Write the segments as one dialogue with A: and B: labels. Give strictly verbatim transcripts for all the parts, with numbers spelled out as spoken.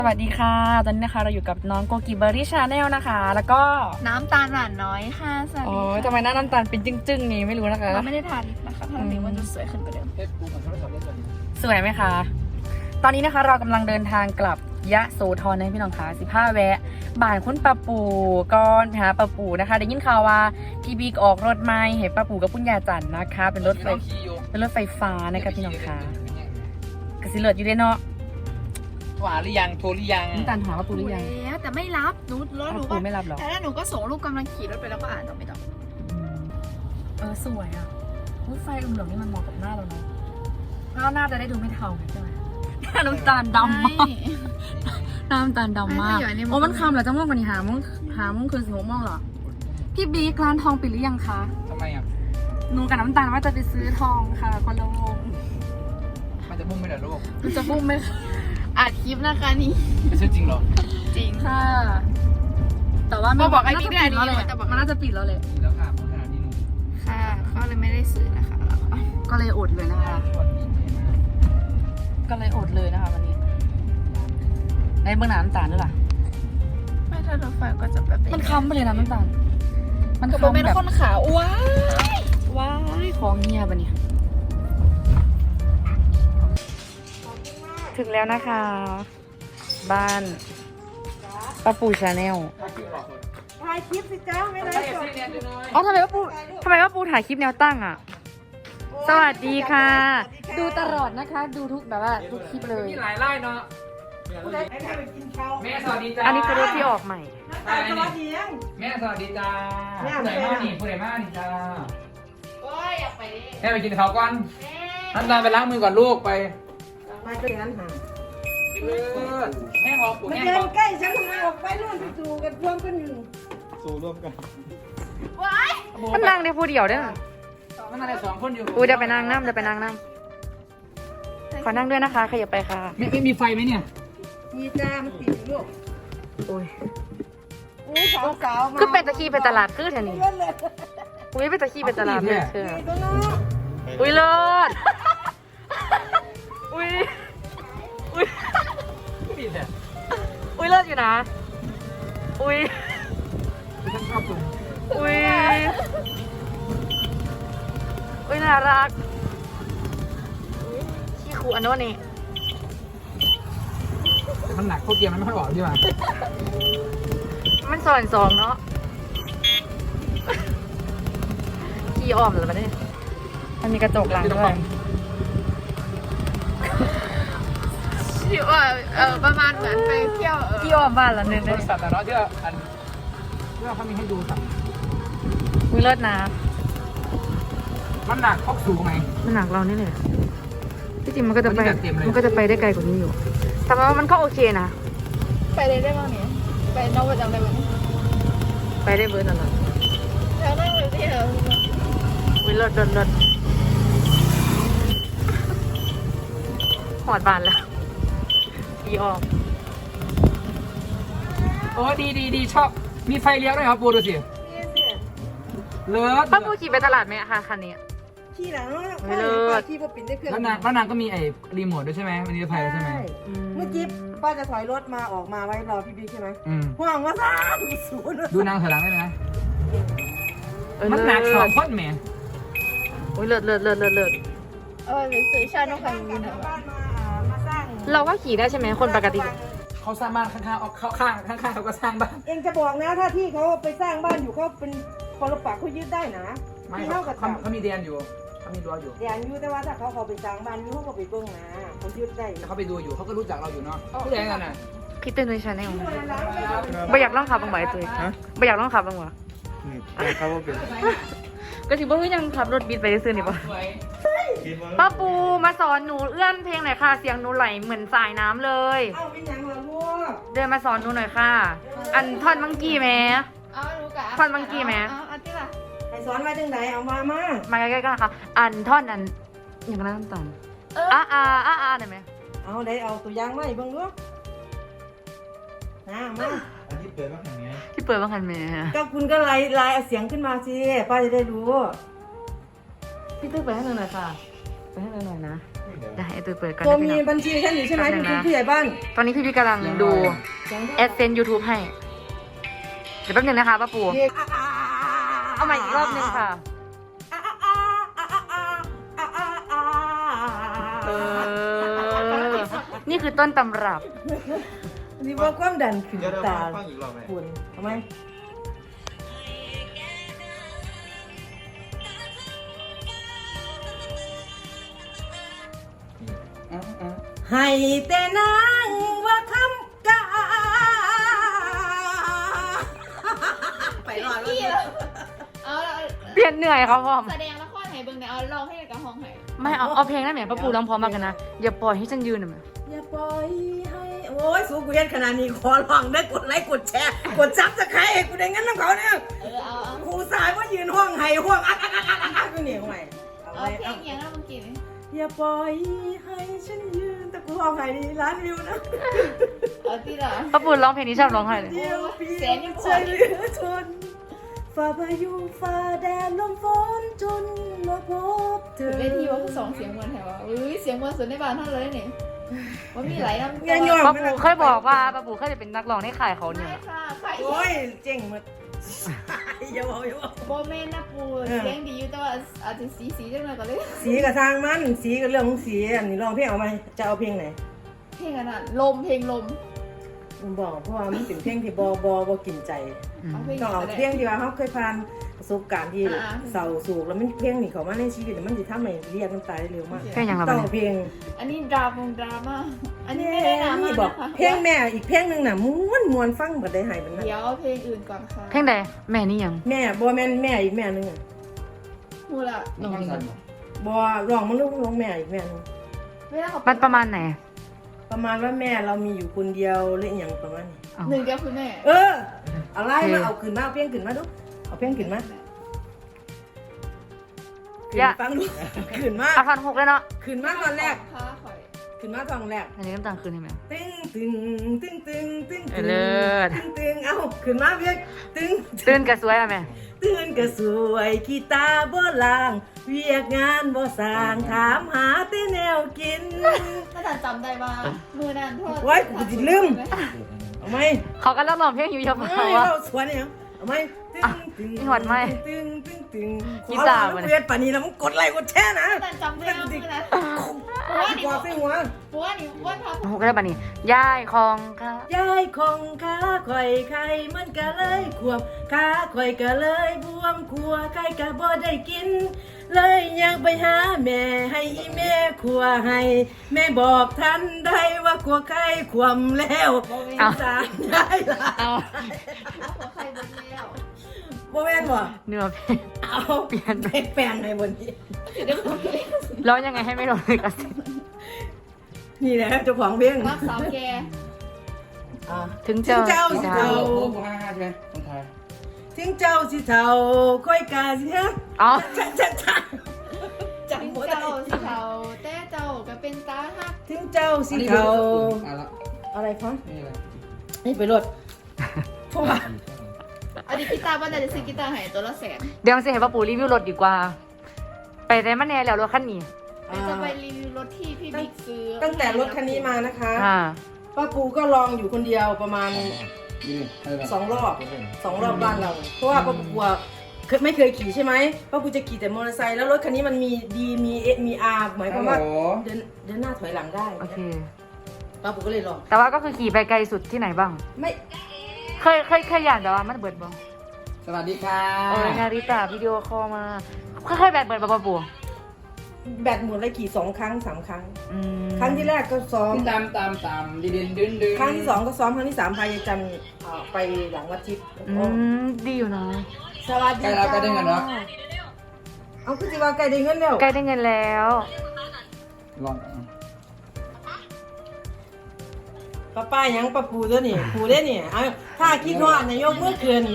A: สวัสดีค่ะตอนนี้นะคะเราอยู่กับน้องโกกิเบอร์รี่ชาแนลนะคะแล้วก็
B: น้ำตาลหวานน้อยค่ะสวัส
A: โอ้
B: ดี
A: ยทำไมหน้าน้ำตาลเป็นจึ้งๆนี้ไม่รู้นะคะ
B: เราไม่ได้ทาลิปนะคะถ้าลิปมันจะสวยขึ้นกว่าเดิม
A: สวยไหมคะตอนนี้นะคะเรากำลังเดินทางกลับยะโสธรนะพี่น้องคะสิบห้าแวะบ้านคุณป้าปู่ก่อนไปหาป้าปู่นะคะได้ยินข่าวว่าพี่บิ๊กออกรถใหม่เห็นป้าปู่กับคุณยายจันนะคะเป็นรถไฟเป็นรถไฟฟ้านะคะพี่น้องคะกระสิเลิศอยู่ได้เนาะ
C: หวานหรือยังโทรหรือยัง
A: น้ำตาลหาป้าปู่หรือยัง
B: แล้วแต่ไม่รับหนูแล้วหนู
A: ป้า
B: ก็
A: ปู่ไม่รับหรอ
B: แต่ถ้าหนูก็ส่งรูปกำลังขี่รถไปแล้วก็อ่านต่อไม่ต้อง
A: เออสวยอ่ะรถไฟเหลืองๆนี่มันเหมาะกับหน้าเราเนาะแล้วหน้าจะได้ดูไม่เทาใช่ไหมหน้าน้ำตาลดำมากหน้าน้ำตาลดำมากโอ้มันคำเหรอจะม่วงกว่านี้หาโมงหาโมงคืนสิบหกโมงเหรอพี่บิ๊กร้านทองปิดหรือยังคะ
C: ทำไมอ่ะ
A: หนูกับน้ำตาลว่าจะไปซื้อทองค่ะคนละวง
C: มันจะพุ่งไม่เหรอลูก
A: มันจะพุ่งไหม
B: อัดคลิปนะคะนี่
C: ไม่ใช่จริงหรอ
B: จริง
A: ค่ะแต่ว่า
B: มาบอกไอ้
A: น่า
B: บิ๊
A: จะ
B: ก
A: ปิ
B: ได้
A: ดแล้วแหละ
B: แต่บอก
A: มันน่าจะปิดแล้วแหละ
C: จริงแล้วค่ะพูดขนาดนี้หนู
B: ค่ะก็เลยไม่ได้ซื้อนะคะเราก็
A: ก็เลยอดเลยนะคะ
C: ชวนดีใจมาก
A: ก็เลยอดเลยนะคะวันนี้ในเบื้องหน้าน้ำตาลด้วยล่ะ
B: ไม่ถ้ารถไฟก็จะแบบ
A: มันค้ำไปเลยนะน้ำตาลมัน
B: ก็
A: ค้ำ
B: เป็น
A: แบบ
B: คนขาวว้าย
A: ว้ายของเงียบอ่ะเนี่ยถึงแล้วนะคะ บ้านป้าปูชาแนล
D: ถ่ายคลิปสิจ้าไม่ได้จบ
A: อ๋อทำไมป้าปูทำไมป้าปูถ่ายคลิปแนวตั้งอ่ะ สวัสดีค่ะ ดูตลอดนะคะ ดูทุกแบบว่าทุกคลิปเลย
C: มีหลายไล่เนาะ
D: ให้แม่ไปกินข้าว
C: แม่สวัสดีจ้า
A: อันนี้คือรถที่ออกใหม่
D: น้ำตาลสวัสดียัง
C: แม่สวัสดีจ้าผู้ใหญ่มากนี่ผู้ใหญ่มากนี่จ้า
B: โอ้ยอยากไปดิ
C: แม่ไปกินข้าวก่อนน้ำตาลไปล้างมือก่อนลูกไป
D: มาเจอกันหา
C: เลิศแม่บอกปู่
D: มา
C: แม่
D: เดิ
C: บ
D: น
C: อก
D: ใกล้ฉันทำไมออกไปนู่นไปสู่กันพร้อมกันอยู่
B: ว้าย
A: มันนั่งได้ผู้เดียวเด้อ
C: มันอะไรสองคนอยู่
A: อูเดี๋ยวไปนั่งน้ำเดี๋ยวไปนั่งน้ำขอนั่งด้วยนะคะขยับไปค่ะ
C: ไม่ไม่มีไฟไหมเนี่ย
D: มีจ้ามันติดอยู่ลูก
A: โอ้ย
D: อู้สาวสาวมา
A: คือเป็นตะขี้ไปตลาดคือเท่านี้
D: เล่นเลย
A: อุ้ยเป็นตะขี้ไปตลาดเลยคือ
D: นี่ก็เนาะ
A: อุ้ยเลิศอุ้ยอุ้ย
C: ปิดเนี่ย
A: อุ้ยเลิศอยู่นะ อุ้ย
C: ฉันชอบคุณ
A: อุ้ย อุ้ยน่ารักขี้ขู่อันโน้นนี่
C: แต่มันหนักโคตรเกียร์มันไม่ค่อยบอกใช่ไหม
A: มันสอนสองเนาะขี้อ้อมเหรอปะเนี่ยมันมีกระจกหลังด้วย
B: ที่ว่าเออประมาณเหมือนไปเที่ยวเออ
A: ขี้อ้อมบ้านละนึง
C: บ
A: เลย
C: ริษัทแต่เนาะที่ว่าอันที่ว่าเขามีให้ดูสัตว์
A: อุ้ยเลิศนะ
C: มันหนักครอบสูงไหม
A: มันหนักเรานี่เลยที่จริงมันก็จะไป
C: วันนี้จัดเต็มเลย
A: มันก็จะไปได้ไกลกว่านี้อยู่ แต่ว่ามันก็โอเคนะ
B: ไปเลยได้บ้างเนี่ยไปนอกประจำได้ไหม
A: ไปได้เบิร์ดตลอด
B: แล้วนั่งเลยที่เออ
A: อุ้ยเลิศเลิศเลิศหอดบานแล้วอีออก
C: โอ้ดีดีดีชอบมีไฟเลี้ยวด้วยครับปูดูสิ
D: นี่สิ
C: เลิศ
A: ป้าปูขี่ไปตลาดไหมคะคันนี้
D: ขี่หลังเนาะ
A: ไม่เลิศ
D: ขี่พอปิดได้เครื่อง
C: แล้วนางแล้วนางก็มีไอ้รีโมทด้วยใช่ไหมมันมีไฟแล้วใช่ไหม
D: เมื่อกี้ป้าจะถอยรถมาออกมาไว้รอพี่บิ๊กใช่ไหม
C: อืม
D: ห่วงว่าซ่าศูนย์
C: ดูนางถอยหลังได้ไหม
A: เออ
C: มันหนักสองคนแหม
A: อุ้ยเลิศเลิศเลิศเลิศเลิศ
B: เออหรือซื้อชาน้องไข่มุกนะ
D: บ้านมาอ่ามาสร้าง
A: เราก็ขี่ได้ใช่ไหมคนปกติ
C: เขาสร้างบ้านข้างๆออกเข้าข้างข้างๆเขาก็สร้างบ้าน
D: เองจะบอกนะถ้าที่เขาไปสร้างบ้านอยู่เขาเป็นปรปักษ์เขายึดได้นะ
C: ไม่
D: ที่
C: เขา
D: เท่ากับ
C: เขาเขามีเดียนอยู่เขามีรั้วอยู่
D: เดี๋ยวอยู่แต่ว่าถ้าเขาเขาไปสร้างบ้านอยู่เขาก็ไปเบิ้งนะเขายึดได้
C: แต่เขาไปดูอยู่เขาก็รู้จักเราอยู่เนาะผู้ใหญ่กันน่ะ
A: พี่เต้นด้วยชาแนลไม่อยากลองขับบ้างไหมตัวไม่อยากลองขับบ้างวะ
E: เขาว่าเป็น
A: ก็ถือว่าเฮ้ยยังขับรถบีทไปซื้อนี่ปะ
C: สวย
A: ป้าปูมาสอนหนูเอื้อนเพลงหน่อยค่ะ เสียงหนูไหลเหมือนสายน้ำเลย
D: เอาเป็นยังล่ะลูก
A: เดินมาสอนหนูหน่อยค่ะ อันท่อนมังกี้แม่
B: เอารู้กะ
A: ฟันมังกี้ไหม
B: เอาเอาที่ละ
D: ให้สอนไว้จังไหนเอามามา
A: มาใกล้ๆกันนะคะ อันท่อนอันอย่างนั้นต่ำอ่าอ่าอ่าอ่าได้ไหม
D: เอาได้เอาตัวอย่างมาให้เบิ่งลูกนะมา
E: อันที่เปิดว่าแห่งนี้
A: ที่เปิดบ้างคันแม่
D: ก็คุณก็ไล่ไล่เอาเสียงขึ้นมาสิป้าจะได้รู้
A: พี่ตึ้งไปให้หนูหน่อยค่ะ ไปให้หนูหน่อยนะ
E: เดี๋ยว
A: ได้ตูนเปิดก่อน
D: ตัว
A: นะพี่
D: มี
A: น้อง
D: บัญชีฉันอยู่ใช่ไหม
A: แป๊บนึ
D: คุณ
A: งนะ
D: ผู้ใหญ่บ้าน
A: ตอนนี้พี่พี่กำลังดูแอดเซนยูทูบให้เดี๋ยวแป๊บนึงนะคะป้าปูเอาใหม่อีกรอบนึงค่ะเออนี่คือต้นตำรับ
D: นี่ว่าความดันขึ้น
E: เดี๋ยวเรา
D: ตา
E: ฟังอีกรอบไหม
D: คุณทำไมให้แต่นางว่าคำกาไปรอดแล้ว
B: เอาละ
A: เปลี่ยนเหนื่อยครับพ่อม
B: แสดงละครให้เบิ่งเนี่ยเอาร้องให้กับห้องให้
A: ไม่เอาเอาเพลงนั่นแหมป้าปูร้องพร้อมมากกันนะอย่าปล่อยให้ฉันยืนหน่อยไหม
D: อย่าปล่อยให้โอ้ยสู้กูเย็นขนาดนี้ขอร้องได้กดไลค์กดแชร์กดซับสไครต์กูได้งั้นน้ำเขาเนี่ย
B: เออเอาเอา
D: ครูสายว่ายืนห้องไห้ห้องอักอักอักอักอักอักอยู่นี่ห้องไห้เอา
B: เอา
D: ไว้
B: เพล
D: เอา
B: งอย่างนั้นเมื่อกี้นี่
D: อย่าปล่อยให้ฉันยืนแต่กูห้องไห้นี่ล้านวิวนะ
B: เอาที่ละ
A: ป้าปูร้องเพลงนี้ชอบร้องไห้เลย
D: เดียวเพี
B: แส
D: ย
B: น
D: ง
B: ยังพอ
D: ใจเหลือทนฝ่าพายุฝ่าแดดลมฝนจนมาพบเธอ
B: เวทีว่าคือสองเสียงมันแถวว่าอุ้ยเสียงมันสุดในบ้านเท่าเลยเนี่ยว่ามีหลายน้ำ
D: เงี้ยโยน
A: ป้าปูเคยบอกว่าป้าปูเคยจะเป็นนักร้องในค่ายเขาเนี่ย
B: ไม่ค่ะใคร
D: โอ้ยเจ๋งหมดอย่าบอกอย่าบอก
B: โบเมนนะปูเสียงดีอยู่แต่ว่าอาจจะสีสีจังเลยก็เลย
D: สีกับทางมันสีกับเรื่องของสีอันนี้ลองเพลงเอาไหมจะเอาเพลงไหน
B: เพลงอันนั้นลมเพลงลม
D: ผมบอกเพราะว่ามันเป็นเพลงที่บอบอบอกินใจ
B: เอาเพลง
D: ต้องเอา
B: ก็ได้
D: เพลงที่ว่าเขาเคยผ่านประสบการณ์ที่
B: อ่า
D: เศร้าโศกแล้วมันเพลงนี่เขามาในชีวิตมันจะทำให้เรียกน้ำตาได้เร็วมาก
A: เพลงอย่างไร
D: ต้อง
A: บ้าง
D: เอาเพลง
B: อันนี้ดราม่งดราม่าอันนี้ไม่ได้ดราม่า
D: นี่บอก
B: นะคะ
D: เพลงแม่อีกเพลงหนึ่งน่ะม้วนมวนฟังบัดได้หายบัดนั้น
B: เดี๋ยวเอาเพลงอื่นก่อนค่ะ
A: เพลงใดแม่นี่ยัง
D: แม่บอแม่นแม่อีกแม่หนึงอะ
B: พูดละ
C: น้องสัน
D: บอร้องมันลูกร้องแม่อีกแม่หนึง
B: เวลาเขา
A: มันประมาณไหน
D: ประมาณว่าแม่เรามีอยู่คนเดียวหรืออหย่างประมาณนี้
A: เอา
B: หนึ่งเดียวคือแม่
D: เออเอาไล่มาเอาขึ้นมาเอาเพลงขึ้นมาดูเอาเพลงขึ้นมาขึ้นฟังดูขึ้นมา
A: เอาพันหกเลยเนาะ
D: ขึ้นมาตอนแรก
B: ค่ะข่อย
D: ขึ้นมาตอนแรก
A: อันนี้น้ำตาลคืนใช่ไหม
D: ตึ้งตึงตึ้งตึงตึ้ง
A: เอ
D: ตึ
A: อง เลิศ
D: ตึ้งตึงเอาขึ้นมาเพียงตึ้ง
A: ตื่นกระสวยอ่ะแม่
D: ตื่นก็สวยขี้ตาบ่ลางเวียกงานบ่สร้างถามหาแต่แนวกิน
B: ถ้าจำจำได้ว่ามือนั้นโทษ
D: ไว้กูสิลืม เอาไหม
A: เขาก็ร้องร้องเพลงอยู่เยอะมา
D: เอ้
A: ก
D: ย
A: ว่า
D: เราสวนเนี่ยเอาไหมตึ้งตึง
A: มีหวัดไหม
D: ตึ้งตึ้งตึง
A: กี
D: ขอ
A: ตาร์
D: ร้อง
A: มาเนี่ย
D: เพื่อนป่านนี้แล้วมึงกดไลค์กดแชร์นะ
B: ถ้าจำได้ว่ามือนั้นปัวนี่
D: กวาดใส่หัว
B: ปัวนี่ว่าพับ
A: หกได้ป่ะนี่ย่ายของค่ะ
D: ยายของขาข่อยไข่มันก็เลยขวบขาข่อยก็เลยบวมขัวไข่ก็บ่ได้กิน เลยอยากไปหาแม่ให้อีแม่ขัวให้ แม่บอกทันได้ว่าขัวไข่ขวมแล้วสารได้ละ
A: เอา
B: หัวใครบนแล้ว
D: บ่แม่นบ่
A: เนื้อเพลง
D: เอา
A: เปลี่ยน
D: ไปแปลงในบนนี้
A: ร้องยังไงให้ไม่โดนเลยกระสิน
D: นี่แหละเจ้าของเพลง
B: รักสาวแก
D: อ่า
A: ถึงเจ้า
D: ถึงเจ้า
A: สี
D: สิ
A: ดา
D: เจ้า
C: โอ้โหห้าห้าใช่ไหมคนไทย
D: ถึงเจ้าสิเฒ่าค่อยกาสิฮะ
A: อ๋อ
D: ชัดชัดชัด
B: ถึง
D: จำบ่ได้
B: เจ้าสิเทาแต่เจ้าก็เป็นตาฮัก
D: ถึงเจ้าสิ
C: อันนี้
D: เฒ่า
C: อ่ะละ
D: อะไรคะ
C: นี่อะไร
D: นี่ไปรถเพราะว่า
B: อันนี้กีตาร์บ้านจะซื้อกีตาร์ให้ตัวละแสน
A: เดี๋ยวจะให้ป้าปูรีวิวรถดีกว่า ไปได้มาแน่แล้วรถคันนี้
B: เดี๋ยวจะไปรีวิวรถที่พี่บิ๊กซื้อ
D: ตั้งแต่รถคันนี้มานะคะ
A: ค่ะ
D: ป้าปูก็ลองอยู่คนเดียวประมาณ
C: นี่อะไร
D: สองรอบสองรอบบ้านเรา เพราะว่าป้าปูกลัวเคยไม่เคยขี่ใช่ไหมป้าปูจะขี่แต่มอเตอร์ไซค์แล้วรถคันนี้มันมีดีมีเอมีอาร์หมายความว่า
C: โอ้
D: เดินเดินหน้าถอยหลังได้
A: โอเค
D: ป้าปูก็เลยลอง
A: แต่ว่าก็คือขี่ไปไกลสุดที่ไหนบ้าง
D: ไม่
A: เคยเคยเคยอยากแต่ว่ามันเบิดบ้าง
C: สวัสดีค่ะ
A: โอ้ยนาริตาวิดีโอคอลมาค่อยๆแบตเบิดป้าปู
D: แบตหมดเลยขี่สองครั้งสามครั้ง
A: อืม
D: ครั้งที่แรกก็ซ้อม
C: ตามตามตามดินดินดินดิน
D: ครั้งที่สองก็ซ้อมครั้งที่สามพายายจันทร์เอ่อไปหลังวัดทิพย์
A: อืมดีอยู่นะ
D: สวัสดี
C: ใกล้เราใกล้ได้เงินเนาะ
D: เอาคือสิว่าไกลได้เงินแล้ว
A: ใกล้ได้เงินแล้ว
C: ลอง
D: ป้าป้ายังป้าปูตัวนี่ปูได้นี่เอาถ้าคิดว่าในยกเมื่อคืน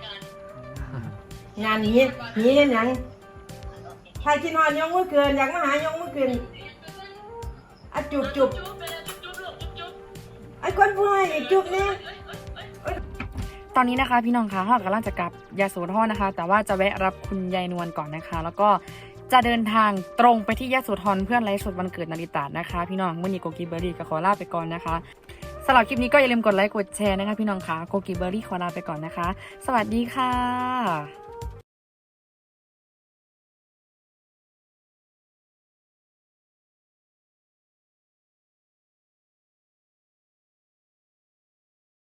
D: งานนี้นี้เห็นยังถ้าคิดว่ายกเมื่อคืนอยากมาหายกเมื่อคืนอะจุบจุบไอ้คนผู้ให้อีกจุบเนี่ย
A: ตอนนี้นะคะพี่น้องคะเรากำลังจะกลับยาโสธรนะคะ แต่ว่าจะแวะรับคุณยายนวลก่อนนะคะ แล้วก็จะเดินทางตรงไปที่ยโสธรเพื่อนไลฟ์สดวันเกิดนาริตานะคะพี่น้องมื่อนี้โกกีเบอร์รี่ก็ขอลาไปก่อนนะคะสำหรับคลิปนี้ก็อย่าลืมกดไลค์กดแชร์นะคะพี่น้องค่ะโกกีเบอร์รี่ขอลาไปก่อนนะคะสวัสดีค่ะ